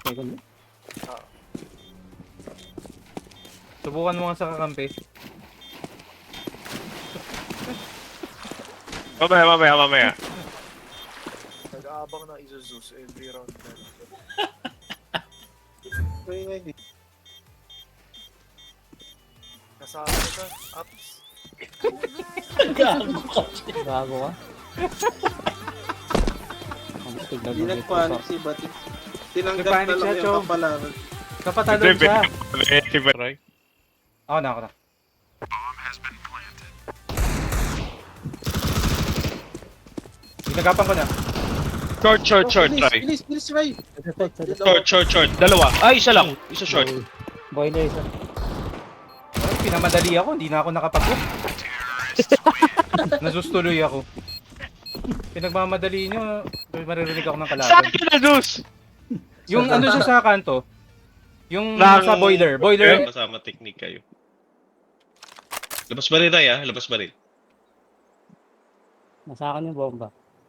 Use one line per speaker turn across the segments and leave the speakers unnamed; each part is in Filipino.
Second.
Subukan mo nga sa kakampi.
Mamaya.
Nag-aabang ng Isuzus every round. Nasa ano ka? Ups.
Gago ka.
Hindi nagpanik si Batik. Tinanggap
Nagpanik
na lang
siya,
yung
Chong.
kapalaran.
Kapatalon siya.
Si Roy.
Ako na. Ginagapan ko na.
Short, Roy.
Bilis, Ray.
Short. Dalawa. Ay, isa lang. Isa short.
Boiler isa.
Ay, pinamadali ako, hindi na ako nakapag-hook. Nasustuloy ako. Pinagmamadali nyo, maririnig ako ng
Saan
kalaban.
ka na, Diyos?
Yung ano siya sa kanto, yung
Lang-
sa boiler. Boiler,
Kasama technique kayo. Labas ba rin, Ray, Labas ba rin?
Nasa akin yung bomba.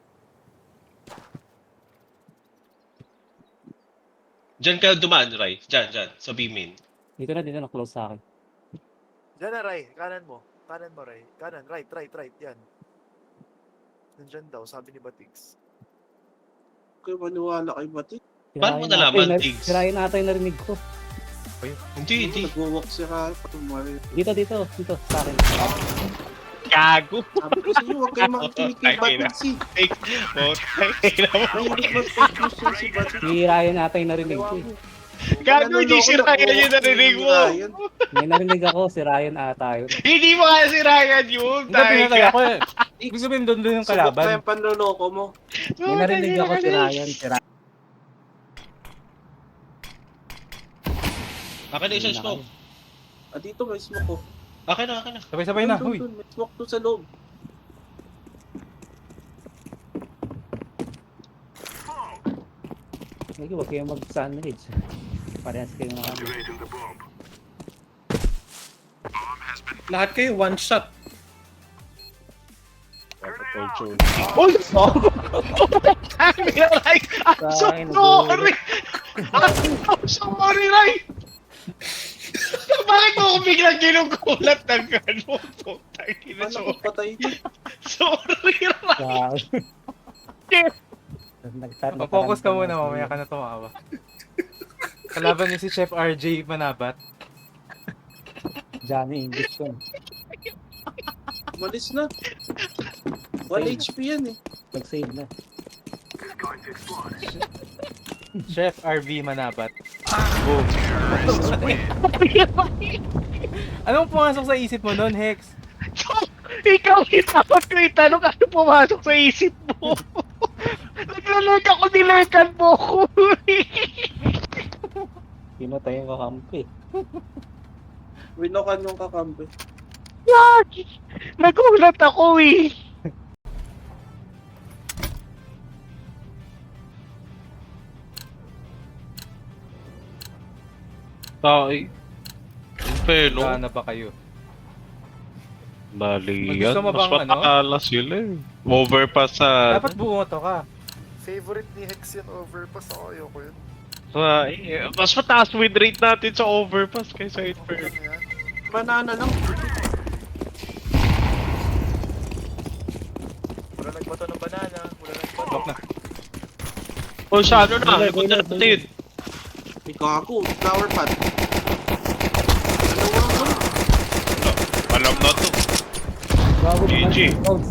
Diyan ka dumaan, Ray. Diyan. Sa B-main.
Dito na close sa akin.
Diyan na, Ray. Kanan mo, Ray. Kanan, right. Yan. Nandyan daw, sabi ni Batix.
Kaya maniwala kay Batik.
Paano mo nalaman, Tiggs?
Sirain natin yung narinig ko.
Hindi.
Nagwawalk si Ray. Patumari.
Dito, sa akin.
Gago.
Sabi ko sa iyo, huwag kayo makikinig kay Batik si.
Fake.
Mahilig mag-fake news yan si Batik.
Sirain natin yung narinig ko.
Gago, hindi si Ryan yung narinig mo.
May narinig ako, si Ryan ata yun.
Hindi mo kaya si Ryan yun.
hindi pinatay ako eh. Ibig sabihin doon yung
Subok pa
kalaban.
yung panloloko mo.
May narinig ako si Ryan.
Akin na isang smoke.
Dito may smoke ko.
Akin na.
Sabay-sabay na, huy.
Dun, may smoke doon sa loob.
Sige, huwag kayong mag-sandwich. Parehas kayo mga ano.
Lahat kayo one shot.
Uy! Ray! I'm so
Kain,
sorry! I'm sorry, Ray! Bakit mo ako biglang ginugulat ng gano'n? Putang ina,
Ano ko patay niyo?
sorry, Ray!
Focus ka muna, mamaya ka na tumawa. Kalaban niyo si Chef RJ Manabat.
Johnny English yun.
Malis na. 1 HP yan eh.
Nag-save na.
Chef RV Manabat. Boom. Anong pumasok sa isip mo nun, Hex?
Ikaw, itapot ko itanong ano pumasok sa isip mo. Naglalurk ako, nilurkan mo ko.
Pinatay yung kakampi.
Winokan yung kakampi.
Nagulat ako eh. Tay. Pero
Saan na ba kayo?
Bali
Gusto
yan.
mo
Mas
bang ano?
matakala sila eh. Overpass sa...
Dapat bumoto ka.
Favorite ni Hex yan, overpass ako. Ayoko yun.
Mas mataas win rate natin sa overpass kaysa Inferno.
Ano yan?
Banana lang.
Wala nagbato ng banana. Wala nagbato.
Lock na.
O siya, ano na?
Boiler,
Punta
boiler,
natin.
May kago. Flower pot.
Alam na to.
Gago naman.
GG.
Close.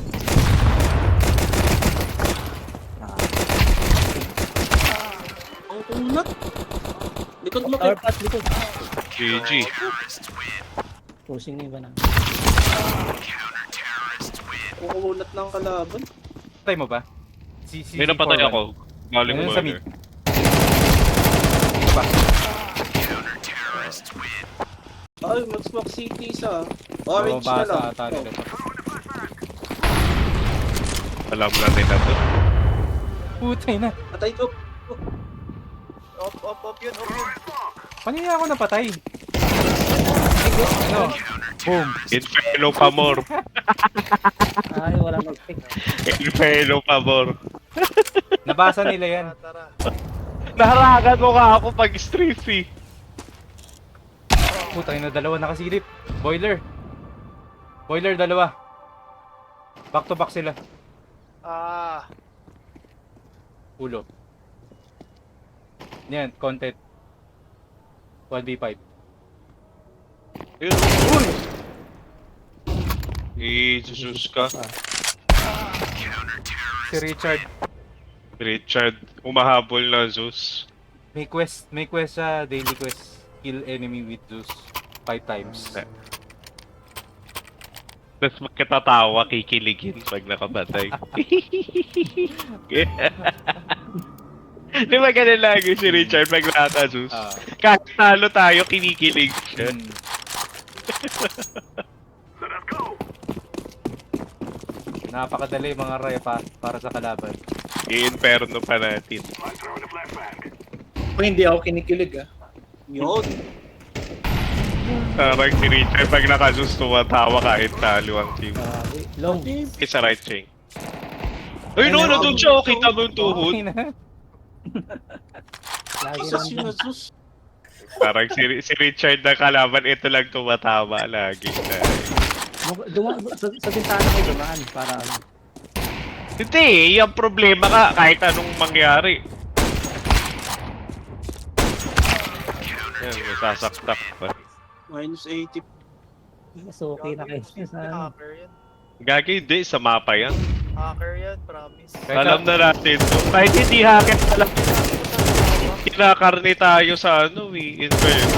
Ang kulat. Likod mo
Power
kay...
pass, likod.
GG.
Pushing na iba na.
Kukulat ng kalaban.
Patay mo ba?
May napatay ako. Galing
Ayun
mo.
sa mid. Dito pa.
Ay, mag-smoke city sa... Orange na lang.
Ata nila to.
Alam na nila to.
Putay na.
Patay ko.
Op yun.
Paano niya ako napatay? Ano? Boom.
Inferno Pamor.
Ay, wala mag-pick.
Inferno Pamor.
Nabasa nila yan.
Tara.
Naharangan mo ka ako pag strafey.
Putay na, dalawa nakasilip. Boiler. Boiler, dalawa. Back to back sila.
Ah,
Ulo. Yan, content. 1v5.
Yun. Uy! Jesus ka.
Si Richard.
Richard, umahabol na Zeus.
May quest siya, daily quest. Kill enemy with Zeus 5 times.
Tapos magkatatawa, kikiligin pag nakapatay. Di ba ganun lagi si Richard pag naka-Zeus?
Ah.
Kahit talo tayo, kinikilig siya.
Mm. Napakadali mga repa para sa kalaban.
I-inferno pa natin.
Ako hindi ako kinikilig ah.
Yun.
Parang si Richard pag naka-Zeus tumatawa kahit talo ang team.
Long.
Isa right chain. Uy no, nandun siya, oh, kita mo yung tuhod.
Okay na.
Lagi
Isa
lang.
sinasus.
Parang si Richard na kalaban, ito lang tumatawa lagi.
Sa bintana ko dumaan para ano.
Hindi, yung problema ka kahit anong mangyari. Yan, masasaktak pa.
Minus 80.
Mas okay na kayo sa ano.
Hacker yan.
Gagi, hindi, sa mapa yan.
Hacker yan, promise.
Alam na natin to. Kahit hindi hacker, alam kinakarni tayo sa ano Inferno.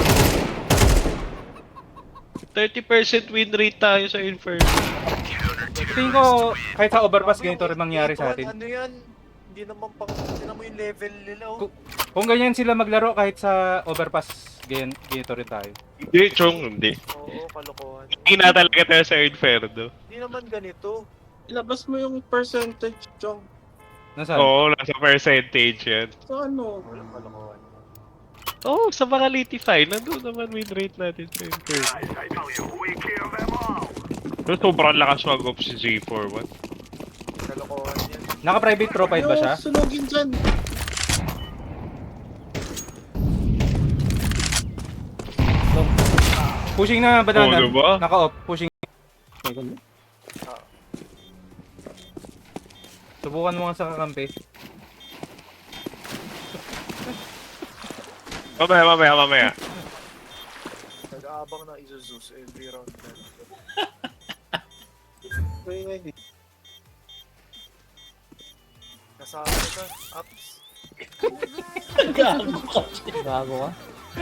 30% win rate tayo sa Inferno.
Tingin ko, kahit sa overpass, ganito rin mangyari sa atin.
Ano yan? Hindi naman yung level nila, oh.
Kung ganyan sila maglaro kahit sa overpass, ganito rin tayo.
Hindi, Chong, hindi.
Oo, kalokohan.
Hindi na talaga tayo sa Inferno.
Hindi naman ganito.
Ilabas mo yung percentage, Chong.
Nasaan?
Oo, nasa percentage yan.
So ano?
Walang kalokohan.
Oo, sa mga litify, nandun naman win rate natin sa Inferno. So, sobrang lakas mag-off si Z41.
Kalokohan yan.
Naka-private profile ba siya?
Sunugin dyan.
Pushing na banana.
Oo, diba?
Naka-off. Pushing.
Second.
Subukan mo nga sa kakampi.
Mamaya.
Nag-aabang na Isuzus every round na. Kasama ka, ups.
Gago ka.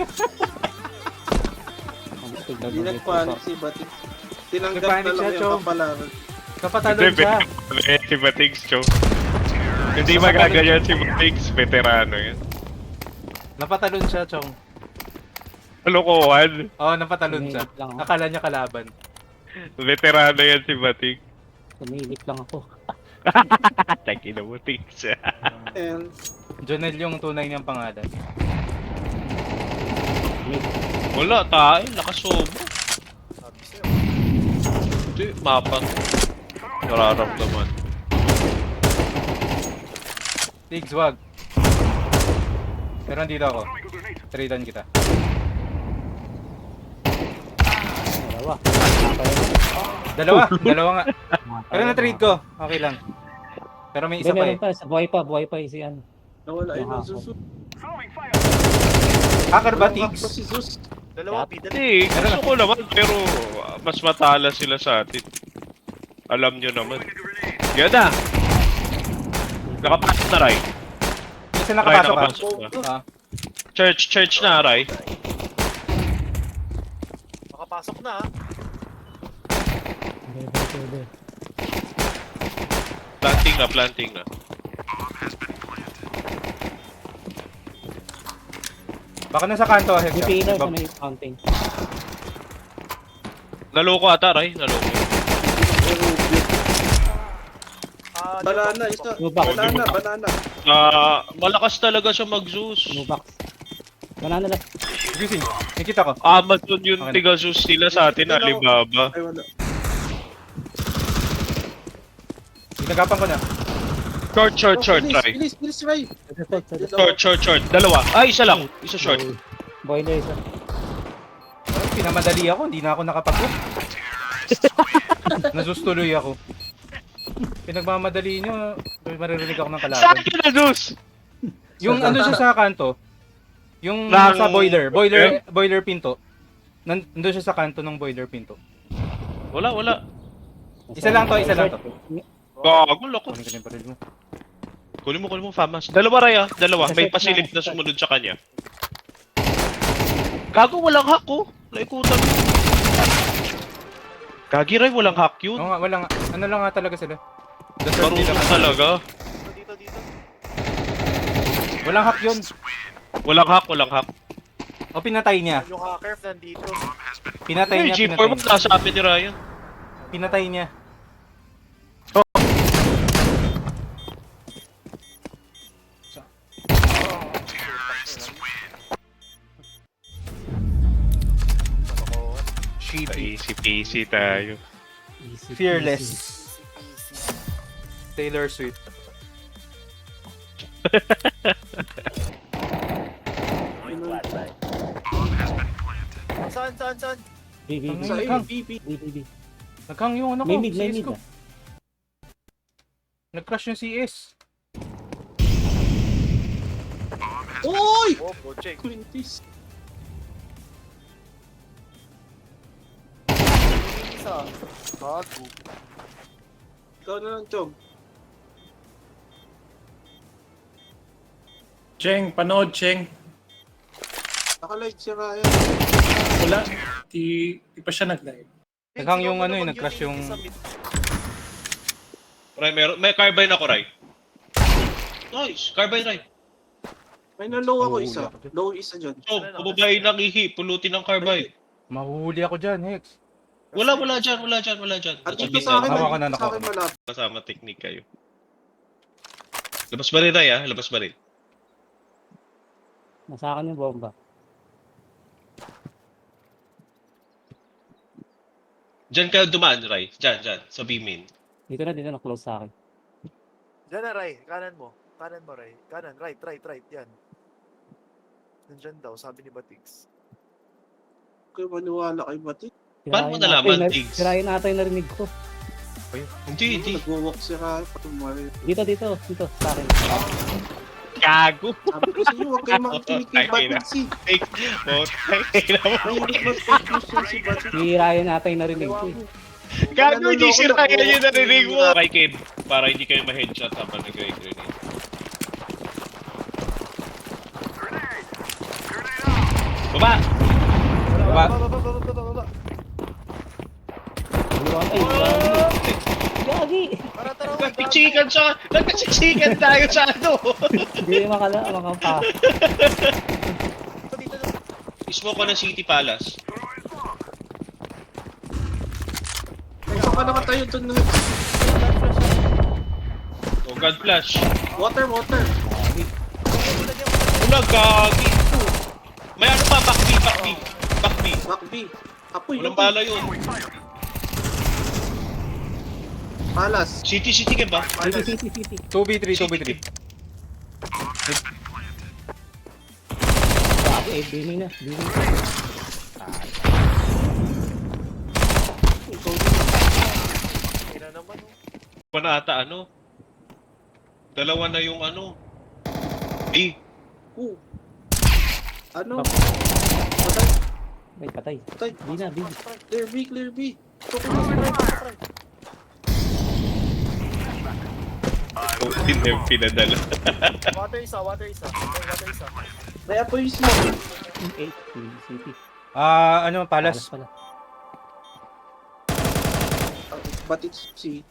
Hindi nagpanik si Batik. Tinanggap
Nagpanik
na lang
siya,
yung
Chong.
kapalaran.
Kapatalon siya.
Si Batigs, Chong. Hindi magaganyan si Batigs, veterano yan.
Napatalon siya, Chong.
Kalokohan.
Oo, napatalon siya.
Tumilip lang ako.
Akala niya kalaban.
Veterano yan si Batigs.
Tumilip lang ako.
Taki na Batigs.
And
Jonel yung tunay niyang pangalan.
Wala, tayo. Nakasobo.
Sabi sa'yo.
Hindi, mapa. Nararamdaman.
Tiggs, wag. Pero nandito ako. Tradean kita.
Dalawa.
Dalawa nga. Pero na-trade ko. Okay lang. Pero may isa pa eh.
Meron pa. Buhay pa si ano.
nawala yun ang
Nakaka-
Zeus.
Hacker ba,
Nakakap
Tiggs?
pa si Zeus.
Dalawa, bidal.
Hindi, gusto ko naman, pero mas matala sila sa atin. Alam nyo naman. Yan na! Nakapasok na, Ray.
Isa
Ray,
nakapasok ka.
nakapasok na.
Ah,
Church na, Ray.
Makapasok na, ha?
Pwede.
Planting na.
baka nasa kanto. Hex.
May pillar sa may fountain.
Naloko ata, Ray. Naloko.
Ah,
Banana, isa.
Lubak.
Banana.
Malakas talaga siya mag-Zeus.
Nubox. Banana na.
Gising. Nakita ko.
Amazon yung
Okay.
tiga-Zeus nila sa atin, Alibaba.
Ay, wala.
Ginagapan ko na.
Short, try.
Bilis, Ray.
Short. Dalawa. Ay, isa lang. Isa short.
Boiler isa.
Pinamadali ako, hindi na ako nakapag-hook. Nasustuloy ako. Pinagmamadali nyo, maririnig ako ng
Saan
kalaban.
ka na, Zeus?
Yung ano siya sa kanto, yung
Nang-
sa boiler pinto. Nandun siya sa kanto ng boiler pinto.
Wala.
Isa lang to.
Gago, loko.
Kunin ko na yung baril mo.
Kunin mo, Famas. Dalawa, Ray, ah. Dalawa. May pasilip na sumunod sa kanya. Gago, walang hack, oh. Naikutan mo. Gagi, Ray, walang hack yun.
Oo nga, wala nga. Ano lang nga talaga sila. Dasal
Marunong
nila.
talaga.
Dito.
Walang hack yun.
Walang hack.
O pinatay niya.
Yung hacker nandito.
Pinatay
Ay,
niya.
G4 mo, nasa amin ni Ryan.
Pinatay niya.
Easy peasy tayo.
Easy,
Fearless.
easy.
Taylor Swift.
Saan?
B, B, B.
Sa iyo,
BP.
B, B, B.
Naghang yung ano ko.
May mid
CS ko.
ah.
Nag-crash yung CS.
Uy!
Oh, check.
Quintis.
Isa. Gago.
Ikaw na lang, Chong.
Cheng, panood, Cheng.
Nakalight si Ryan.
Wala. Di pa siya nag-live.
Naghang yung ano nag-crash yung...
Ray, may carbine ako, Ray. Nice, carbine, Ray.
May na-low ako
Mahuli
isa.
ako dyan.
Low isa dyan.
So, pababayin ng ihi, pulutin ng carbine.
Mahuhuli ako dyan, Hex.
Wala dyan.
At
Nasa
dito sa akin,
Hawakan na,
sa akin malapit.
Kasama technique kayo. Labas ba rin, Ray, ah? Labas ba rin?
Nasa akin yung bomba.
Diyan ka dumaan, Ray. Diyan. Sa B-main.
Dito na, close sa akin.
Diyan na, Ray. Kanan mo, Ray. Kanan, right. Yan. Nandyan daw, sabi ni Batigs.
Kaya maniwala kay Batik.
Paano mo nalaman, Tiggs?
Sirayin natin yung narinig ko.
Hindi.
Nag-walk si Ryan. Patumari.
Dito, sa akin.
Gago.
Sabi ko sa inyo, huwag kayo makikinig kay Batik si. Mahilig mag-fake news yun si Batik.
Sirayin natin yung narinig ko eh.
Gago, hindi sira yan yung narinig mo. Kay Kib, para hindi kayo ma-headshot habang nag-grenade. Baba!
Baba.
Baba.
Gagi!
Tara.
Nagkachichikan tayo sa ano.
Hindi makapa.
Dito.
Ismo ko ng City Palace.
Saan ka naman tayo dun?
Oh, God Flash.
Water.
Wala, gagi. May ano pa, back B.
Back B. Apoy.
Walang bala yun.
Palas.
City ka ba?
City.
2v3.
Gagi, bini na.
Kina naman.
Pa na ata ano? Dalawa na yung ano. B.
Ano?
May patay.
Patay.
Bina.
Clear B.
Hindi na yung pinadala.
Water isa.
May apoy smoke.
8. City.
Palace.
Pala.
Batik si.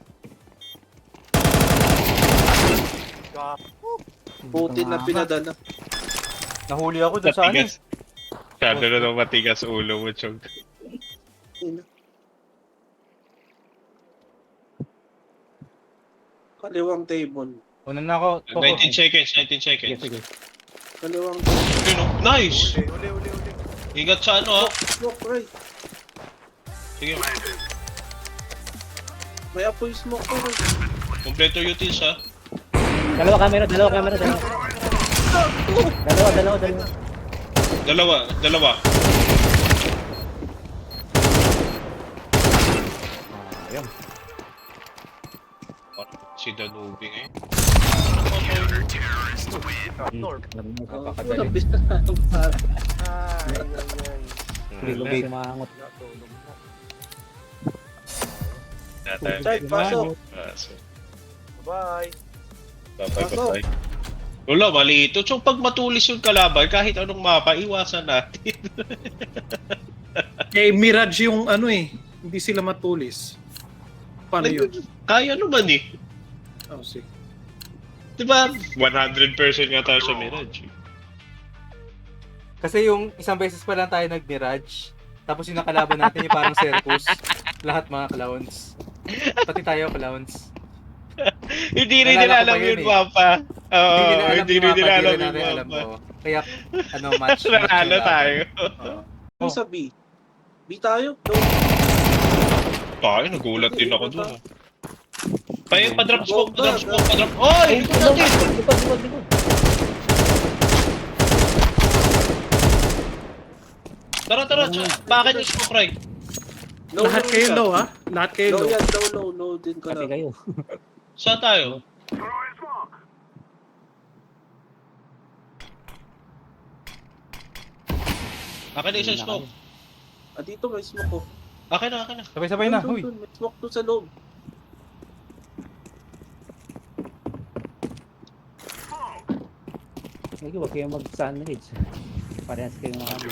Putin na pinadala.
Nahuli ako dun sa ano.
Masyado na nang matigas ulo mo, Chong.
Kaliwang table.
Una na ako.
19 seconds.
Sige.
Kaliwang
Yun, oh. Nice!
Uli.
Ingat sa ano, ha?
smoke, right?
Sige,
May apoy smoke ko, right?
kompleto utils, ha?
Dalawa camera. Dalawa.
Dalawa.
Ayun.
Si Danube ngayon.
Norm.
Walang bisa na.
Tulog si Mangot.
Chad, pasok.
Bye.
Bye. Wala, mali ito. So, pag matulis yung kalaban, kahit anong mapa, iwasan natin.
Eh, Mirage yung ano eh. Hindi sila matulis. Paano yun?
Kaya naman eh.
Oh, sige.
Diba? 100% nga tayo sa Mirage.
Kasi yung isang beses pa lang tayo nag-Mirage, tapos yung nakalaban natin yung parang circus. Lahat mga clowns. Pati tayo clowns.
Hindi rin
Naalala
nila
ko
alam
pa yun
yung
eh.
mapa. Oo,
Hindi
hindi rin nila alam
natin
yung
alam
mapa.
mo. Kaya, match.
Nanalo
yung
tayo.
laban.
Yung sa B. B tayo? No.
Tayo, nagulat din ako doon. Pa-drop smoke.
Go,
Pa-drop. Oy! Ito natin!
Likod.
Tara. Bakit yung smoke, Ray?
Lahat kayo low ha? Lahat kayo
Low
low.
yan, low din ko
Pati
na.
kayo.
Saan tayo? Akin na isang smoke.
Ah, dito may smoke ko.
Akin na.
Sabay-sabay na,
Dun,
huy.
may smoke doon sa loob.
Sige, huwag kayong mag-sandwich. Parehas kayo mga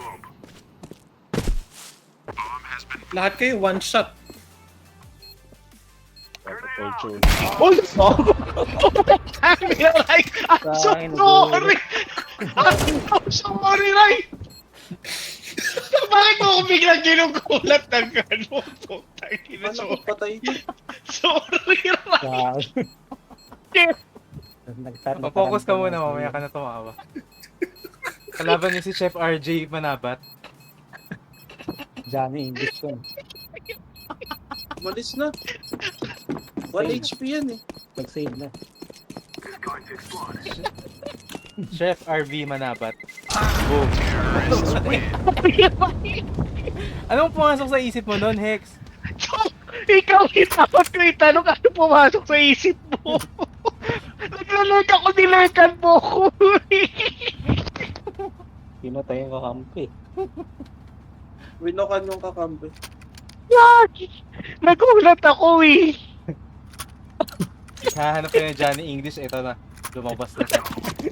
Lahat kayo one shot.
Uy! Ray! I'm so sorry! I'm sorry, Ray!
Bakit mo ako biglang ginugulat ng gano'n? Putang ina,
Paano ko patay niya?
sorry, Ray.
Focus ka muna, mamaya ka na tumawa. Kalaban niyo si Chef RJ Manabat.
Johnny English yun.
Malis na. 1 HP yan eh.
Nag-save na.
Chef RV Manabat. Boom. Anong pumasok sa isip mo nun, Hex?
Ikaw, dapat ko itanong ano pumasok sa isip mo. Naglalord ako, nilerkan mo ko.
Pinatay yung kakampi.
Winokan yung kakampi.
Nagulat ako eh.
Hahanap ko yung Johnny English, ito na. Lumabas na siya.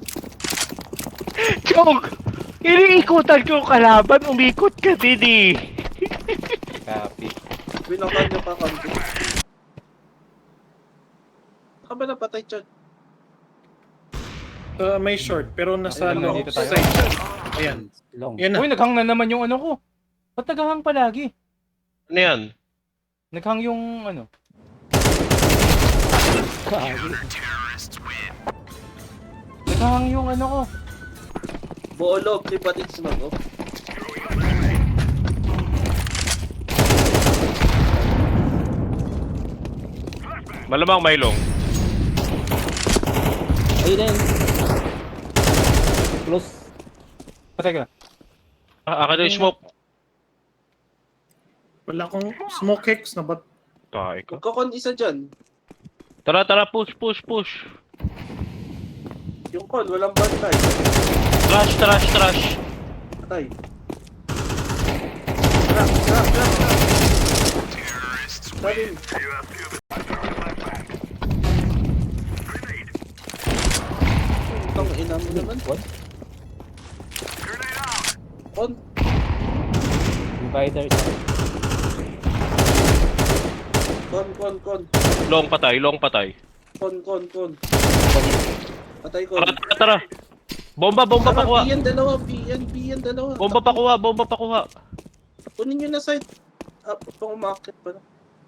Joke! Iniikutan ko yung kalaban, umikot ka din eh.
Copy.
Winokan yung kakampi. Saka ba napatay Chad?
May short pero nasa
Ayun,
low
dito tayo.
side siya. Ayan.
Long.
Yan na.
Uy, naghang na naman yung ano ko. Ba't naghang palagi?
Ano yan?
Naghang yung ano. Naghang yung ano ko.
Buo loob, di pati smoke oh.
Malamang may long.
Ayun na yun. Close.
Patay ka.
Akin na yung smoke.
Wala akong smoke hex na ba't
Tayo ka.
Magkakon isa dyan.
Tara, push.
Yung con, walang bantay.
Trash.
Patay. Crack. Sarin. Itong ina mo naman.
What?
Con.
Divider isa.
Con.
Long patay.
Con. Patay ko.
Tara. Bomba pakuha.
B yan dalawa.
Bomba pakuha.
Kunin nyo na side. Pang umakit pa na.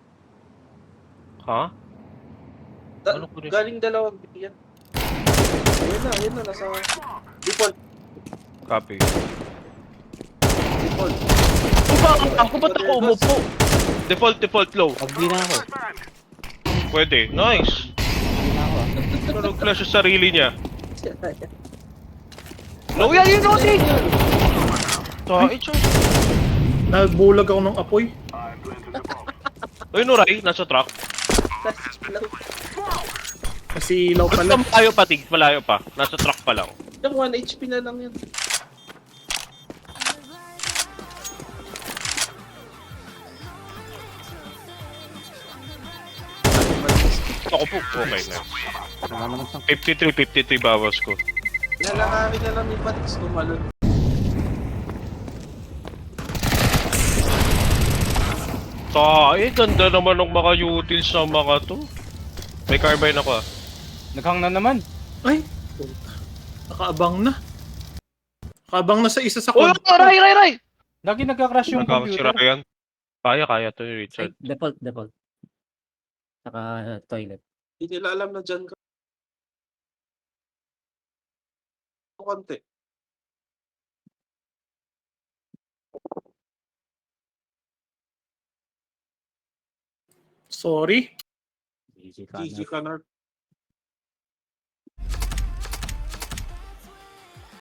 Ha? Ano ko rin?
Galing dalawang B yan. Ayun na, nasa default.
Copy.
Default.
Ba't ako umupo? Default low.
Pag di na ako.
Pwede. Nice.
Di na ako.
nag-flash sa sarili niya.
Low yan yun, Odi!
Nagbulag ako ng apoy.
Uy, Nuray, nasa truck.
Kasi ilaw pala.
Malayo pa, Tig. Malayo pa. Nasa truck pa lang.
Yung 1 HP na lang yan.
Ako po. Okay na.
Wala naman siyang
53 bawas ko.
Lalangarin na lang yung Batix tumalon.
Ganda naman ng mga utils ng mga to. May carbine ako ah.
Naghang na naman.
Ay, puta. Nakaabang na. Nakaabang na sa isa sa
Oh, Ray!
Lagi nagka-crash yung
Nagkakasira
computer.
yan. Kaya to ni Richard.
default. Saka toilet.
Hindi nila alam na dyan ka. Konti.
Sorry.
GG ka
GG
na.
ka na.